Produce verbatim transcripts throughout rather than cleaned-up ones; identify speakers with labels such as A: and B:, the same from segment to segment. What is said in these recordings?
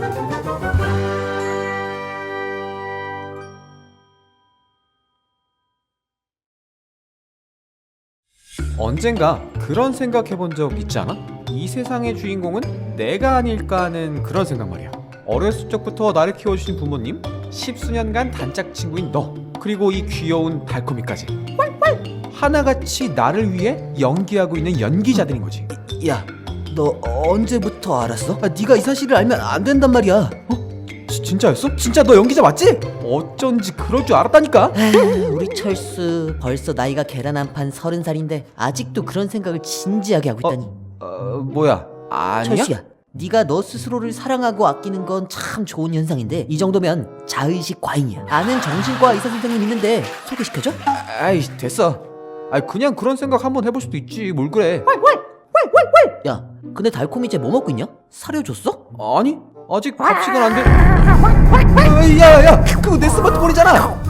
A: 언젠가 그런 생각 해본 적 있지 않아? 이 세상의 주인공은 내가 아닐까 하는 그런 생각 말이야. 어렸을 적부터 나를 키워주신 부모님, 십수년간 단짝 친구인 너, 그리고 이 귀여운 달콤이까지 하나같이 나를 위해 연기하고 있는 연기자들인 거지.
B: 야, 너 언제부터 알았어? 아, 네가 이 사실을 알면 안 된단 말이야.
A: 어? 지, 진짜였어? 진짜 너 연기자 맞지? 어쩐지 그럴 줄 알았다니까.
B: 에휴, 우리 철수 벌써 나이가 계란 한 판 서른 살인데 아직도 그런 생각을 진지하게 하고 있다니.
A: 어, 어 뭐야? 아니야?
B: 철수야, 네가 너 스스로를 사랑하고 아끼는 건 참 좋은 현상인데 이 정도면 자의식 과잉이야. 아는 정신과 의사 선생님 있는데 소개시켜줘?
A: 아이 됐어. 아이 그냥 그런 생각 한번 해볼 수도 있지. 뭘 그래?
B: 야, 근데 달콤이 쟤 뭐 먹고 있냐? 사료 줬어?
A: 아니 아직 갑식은 안 돼. 야야야, 그거 내 스마트폰이잖아.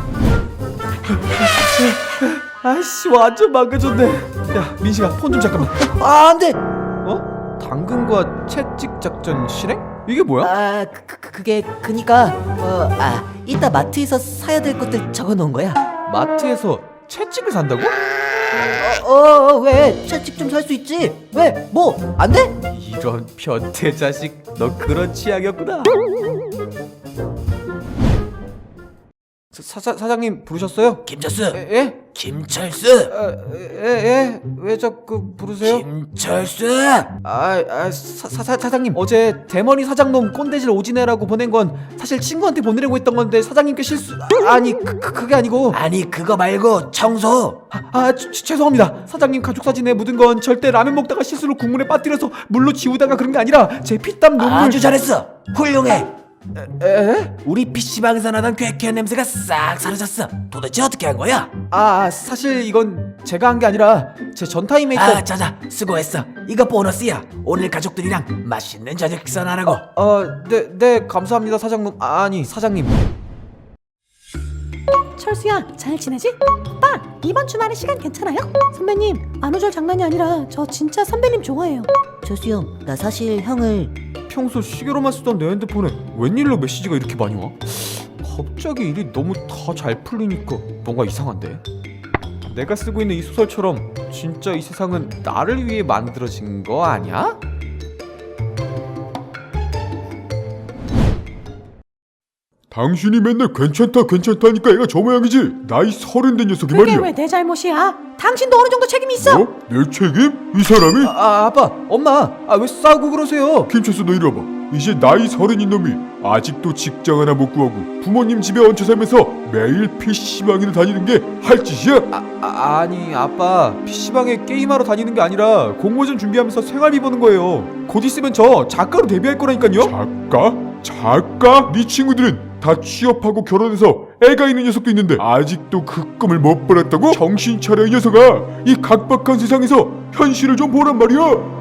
A: 아이씨 완전 망가졌네. 야 민식아, 폰 좀 잠깐만.
B: 아, 안 돼.
A: 어? 당근과 채찍 작전 실행? 이게 뭐야?
B: 아, 그, 그, 그게 그니까 어, 아, 이따 마트에서 사야 될 것들 적어 놓은 거야.
A: 마트에서 채찍을 산다고?
B: 어, 어, 왜? 채찍 좀 살 수 있지. 왜? 뭐? 안 돼?
A: 이런 변태 자식, 너 그런 취향이었구나. 사, 사, 사장님 부르셨어요?
B: 김철수.
A: 에? 예?
B: 김철수.
A: 에? 에? 왜 자꾸 부르세요?
B: 김철수.
A: 아, 아 사, 사, 사장님 어제 대머리 사장놈 꼰대질 오지네라고 보낸 건 사실 친구한테 보내려고 했던 건데 사장님께 실수. 아니 그, 그, 그게 아니고.
B: 아니 그거 말고 청소.
A: 아, 아 주, 주, 죄송합니다. 사장님 가족 사진에 묻은 건 절대 라면 먹다가 실수로 국물에 빠뜨려서 물로 지우다가 그런 게 아니라 제 피땀 눈물.
B: 아주 잘했어. 훌륭해.
A: 에? 에?
B: 우리 피시방에서 나던 쾌쾌한 냄새가 싹 사라졌어. 도대체 어떻게 한 거야?
A: 아 사실 이건 제가 한 게 아니라 제 전타임에 있던.
B: 아, 자자, 수고했어. 이거 보너스야. 오늘 가족들이랑 맛있는 저녁 식사나 하라고.
A: 어, 네, 네 감사합니다 사장님. 아니 사장님.
C: 철수야, 잘 지내지? 오빠, 이번 주말에 시간 괜찮아요? 선배님, 안우절 장난이 아니라 저 진짜 선배님 좋아해요.
B: 철수 형, 나 사실 형을
A: 평소 시계로만 쓰던 내 핸드폰에 웬일로 메시지가 이렇게 많이 와? 갑자기 일이 너무 다 잘 풀리니까 뭔가 이상한데? 내가 쓰고 있는 이 소설처럼 진짜 이 세상은 나를 위해 만들어진 거 아니야?
D: 당신이 맨날 괜찮다 괜찮다니까 얘가 저 모양이지. 나이 서른 된 녀석이
C: 그게
D: 말이야.
C: 왜 내 잘못이야? 당신도 어느 정도 책임이 있어.
D: 어? 내 책임? 이 사람이?
A: 아, 아빠, 엄마, 아 왜 싸우고 그러세요?
D: 김철수 너 이리 와봐. 이제 나이 서른인 놈이 아직도 직장 하나 못 구하고 부모님 집에 얹혀 살면서 매일 피시방을 다니는 게 할 짓이야?
A: 아, 아 아니 아빠, 피시방에 게임하러 다니는 게 아니라 공모전 준비하면서 생활비 버는 거예요. 곧 있으면 저 작가로 데뷔할 거라니까요.
D: 작가? 작가? 네 친구들은 다 취업하고 결혼해서 애가 있는 녀석도 있는데 아직도 그 꿈을 못 벌었다고? 정신 차려 이 녀석아. 이 각박한 세상에서 현실을 좀 보란 말이야.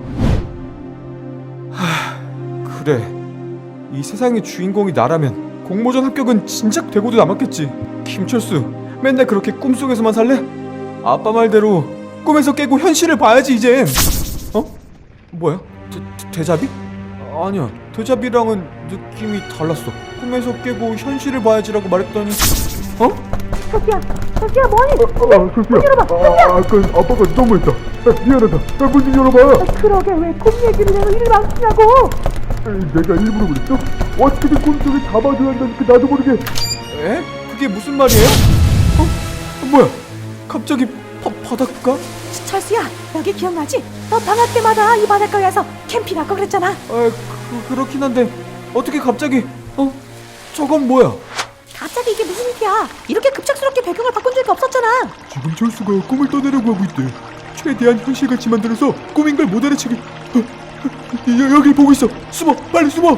A: 그래, 이 세상의 주인공이 나라면 공모전 합격은 진작 되고도 남았겠지. 김철수, 맨날 그렇게 꿈속에서만 살래? 아빠 말대로 꿈에서 깨고 현실을 봐야지 이젠. 어? 뭐야? 데, 데자비? 아니야, 데자비랑은 느낌이 달랐어. 꿈에서 깨고 현실을 봐야지라고 말했더니 어?
C: 철수야, 철수야 뭐하니?
D: 아, 철수야. 아, 아까 아빠가 너무했다. 아, 미안하다. 아, 문 좀 열어봐.
C: 그러게 왜 꿈 얘기를 해서 일을 안 쓰냐고.
D: 에이, 내가 일부러 그랬어? 어떻게든 꿈속에 잡아줘야 한다니까 나도 모르게.
A: 에? 그게 무슨 말이에요? 어? 뭐야? 갑자기 바, 바닷가?
C: 철수야, 여기 기억나지? 너 방학 때마다 이 바닷가에서 캠핑할 거 그랬잖아.
A: 아, 그, 그렇긴 한데 어떻게 갑자기 어? 저건 뭐야?
C: 갑자기 이게 무슨 일이야? 이렇게 급작스럽게 배경을 바꾼 적이 없었잖아.
D: 지금 철수가 꿈을 떠내려고 하고 있대. 최대한 현실같이 만들어서 꿈인 걸 못 알아채게. 어, 어, 여, 여길 보고 있어. 숨어, 빨리 숨어.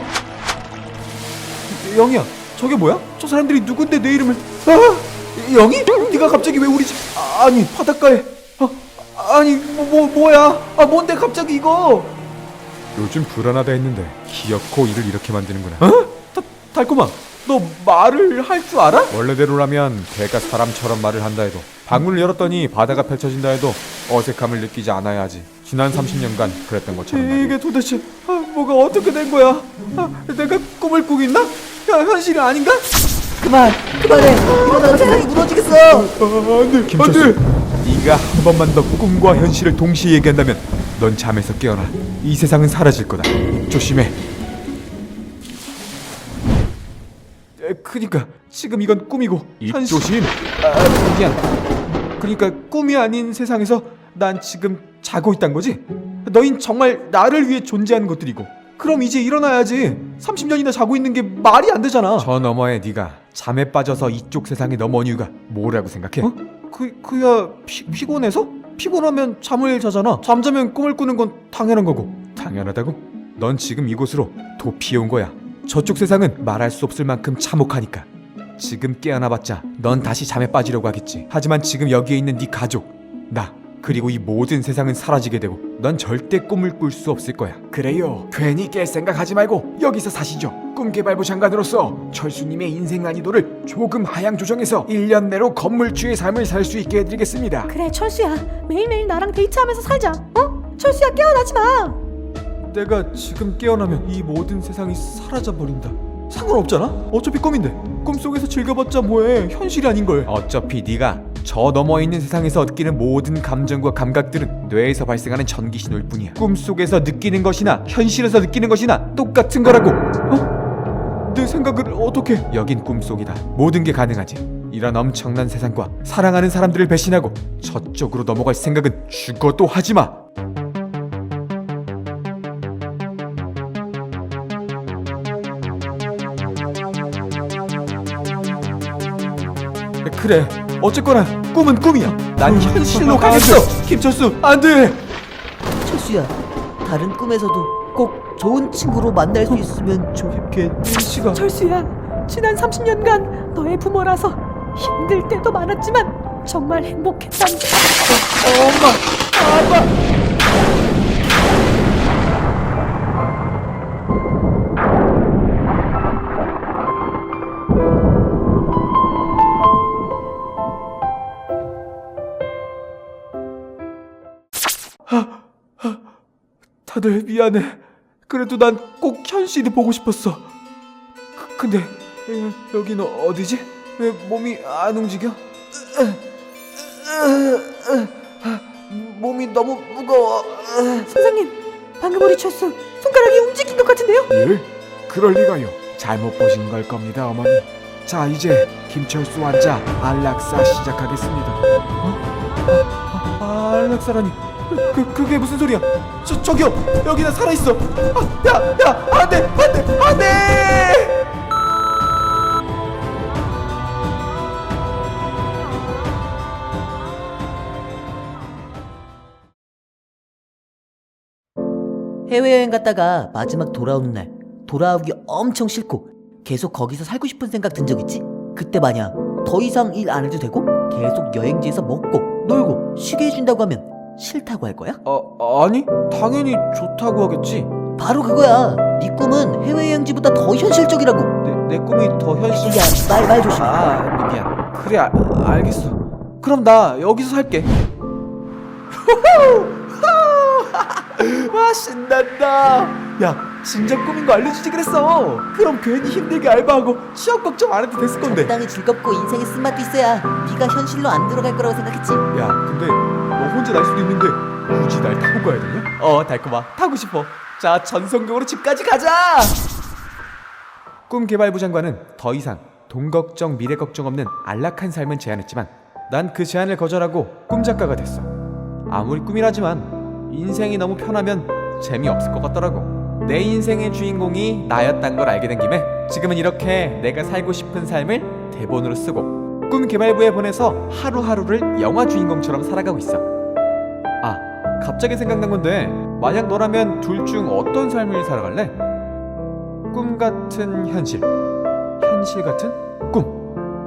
A: 영희야, 저게 뭐야? 저 사람들이 누군데 내 이름을? 아, 영희? 네가 갑자기 왜 우리 집? 아, 아니 바닷가에? 아, 아니 뭐, 뭐 뭐야? 아 뭔데 갑자기 이거?
D: 요즘 불안하다 했는데 기어코 일을 이렇게 만드는구나.
A: 어? 다, 달콤아, 너 말을 할 줄 알아? 원래대로라면 걔가 사람처럼 말을 한다 해도, 방문을 열었더니 바다가 펼쳐진다 해도 어색함을 느끼지 않아야 하지. 지난 삼십 년간 그랬던 것처럼 말이야. 이게 도대체 아, 뭐가 어떻게 된 거야? 아, 내가 꿈을 꾸고 있나? 현, 현실이 아닌가?
B: 그만 그만해. 이러다가 세상이 무너지겠어.
D: 아, 안돼
A: 김철수,
D: 안돼.
A: 네가 한 번만 더 꿈과 현실을 동시에 얘기한다면 넌 잠에서 깨어나. 이 세상은 사라질 거다. 조심해. 에, 그니까 지금 이건 꿈이고 현실.
D: 입조심.
A: 아, 미안. 그러니까 꿈이 아닌 세상에서 난 지금 자고 있단 거지? 너흰 정말 나를 위해 존재하는 것들이고, 그럼 이제 일어나야지. 삼십 년이나 자고 있는 게 말이 안 되잖아. 저 너머에 네가 잠에 빠져서 이쪽 세상에 넘어온 이유가 뭐라고 생각해? 어? 그, 그야 피, 피곤해서? 피곤하면 잠을 자잖아. 잠자면 꿈을 꾸는 건 당연한 거고. 당연하다고? 넌 지금 이곳으로 도피해 온 거야. 저쪽 세상은 말할 수 없을 만큼 참혹하니까. 지금 깨어나봤자 넌 다시 잠에 빠지려고 하겠지. 하지만 지금 여기에 있는 네 가족, 나, 그리고 이 모든 세상은 사라지게 되고 넌 절대 꿈을 꿀 수 없을 거야.
E: 그래요. 괜히 깰 생각하지 말고 여기서 사시죠. 꿈개발부 장관으로서 철수님의 인생 난이도를 조금 하향 조정해서 일 년 내로 건물주의 삶을 살 수 있게 해드리겠습니다.
C: 그래 철수야, 매일매일 나랑 데이트하면서 살자. 어? 철수야, 깨어나지 마.
A: 내가 지금 깨어나면 이 모든 세상이 사라져버린다. 상관없잖아? 어차피 꿈인데. 꿈속에서 즐겨봤자 뭐해. 현실이 아닌걸. 어차피 네가 저 너머에 있는 세상에서 느끼는 모든 감정과 감각들은 뇌에서 발생하는 전기 신호일 뿐이야. 꿈속에서 느끼는 것이나 현실에서 느끼는 것이나 똑같은 거라고. 어? 내 생각을 어떻게? 여긴 꿈속이다. 모든 게 가능하지. 이런 엄청난 세상과 사랑하는 사람들을 배신하고 저쪽으로 넘어갈 생각은 죽어도 하지마. 그래, 어쨌거나 꿈은 꿈이야. 난 현실로 가겠어. 김철수, 안돼.
B: 철수야, 다른 꿈에서도 꼭 좋은 친구로 만날 수 있으면 좋겠지가.
C: 철수야, 지난 삼십 년간 너의 부모라서 힘들 때도 많았지만 정말 행복했단.
A: 어, 엄마, 아빠. 다들 미안해. 그래도 난 꼭 현실이 보고 싶었어. 그, 근데 에, 여기는 어디지? 왜 몸이 안 움직여? 으, 으, 으, 으, 몸이 너무 무거워. 으.
C: 선생님, 방금 우리 철수 손가락이 움직인 것 같은데요?
E: 예? 그럴 리가요. 잘못 보신 걸 겁니다, 어머니. 자, 이제 김철수 환자 안락사 시작하겠습니다.
A: 아, 안락사라니. 그, 그게 무슨 소리야? 저, 저기요! 여기 나 살아있어! 아, 야! 야! 안 돼! 안 돼! 안 돼!
B: 해외여행 갔다가 마지막 돌아오는 날 돌아오기 엄청 싫고 계속 거기서 살고 싶은 생각 든 적 있지? 그때 마냥 더 이상 일 안 해도 되고 계속 여행지에서 먹고 놀고 쉬게 해준다고 하면 싫다고 할 거야?
A: 어, 아니, 당연히 좋다고 하겠지.
B: 바로 그거야. 네 꿈은 해외여행지보다 더 현실적이라고.
A: 내, 내 꿈이 더 현실.
B: 야, 말, 말 조심해.
A: 아, 미안. 그래, 아, 알겠어. 그럼 나 여기서 살게. 와, 신난다. 야, 진짜 꿈인 거 알려주지 그랬어. 그럼 괜히 힘들게 알바하고 취업 걱정 안 해도 됐을 건데.
B: 적당히 즐겁고 인생에 쓴맛도 있어야 네가 현실로 안 들어갈 거라고 생각했지.
A: 야, 근데 너 혼자 날 수도 있는데 굳이 날 타고 가야 되냐? 어, 달콤아, 타고 싶어. 자, 전성경으로 집까지 가자. 꿈개발부 장관은 더 이상 돈 걱정, 미래 걱정 없는 안락한 삶은 제안했지만 난 그 제안을 거절하고 꿈작가가 됐어. 아무리 꿈이라지만 인생이 너무 편하면 재미없을 것 같더라고. 내 인생의 주인공이 나였단 걸 알게 된 김에 지금은 이렇게 내가 살고 싶은 삶을 대본으로 쓰고 꿈개발부에 보내서 하루하루를 영화 주인공처럼 살아가고 있어. 아, 갑자기 생각난 건데 만약 너라면 둘 중 어떤 삶을 살아갈래? 꿈 같은 현실, 현실 같은 꿈.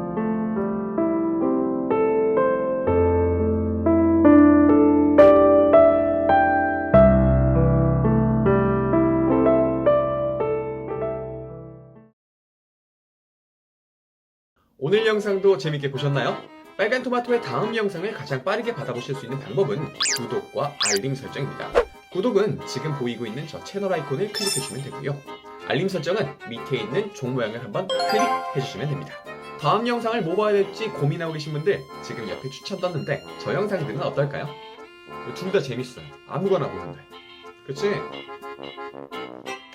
F: 오늘 영상도 재밌게 보셨나요? 빨간 토마토의 다음 영상을 가장 빠르게 받아보실 수 있는 방법은 구독과 알림 설정입니다. 구독은 지금 보이고 있는 저 채널 아이콘을 클릭해주시면 되고요. 알림 설정은 밑에 있는 종 모양을 한번 클릭해주시면 됩니다. 다음 영상을 뭐 봐야 될지 고민하고 계신 분들 지금 옆에 추천 떴는데 저 영상들은 어떨까요? 둘 다 재밌어요. 아무거나 보는데. 그치?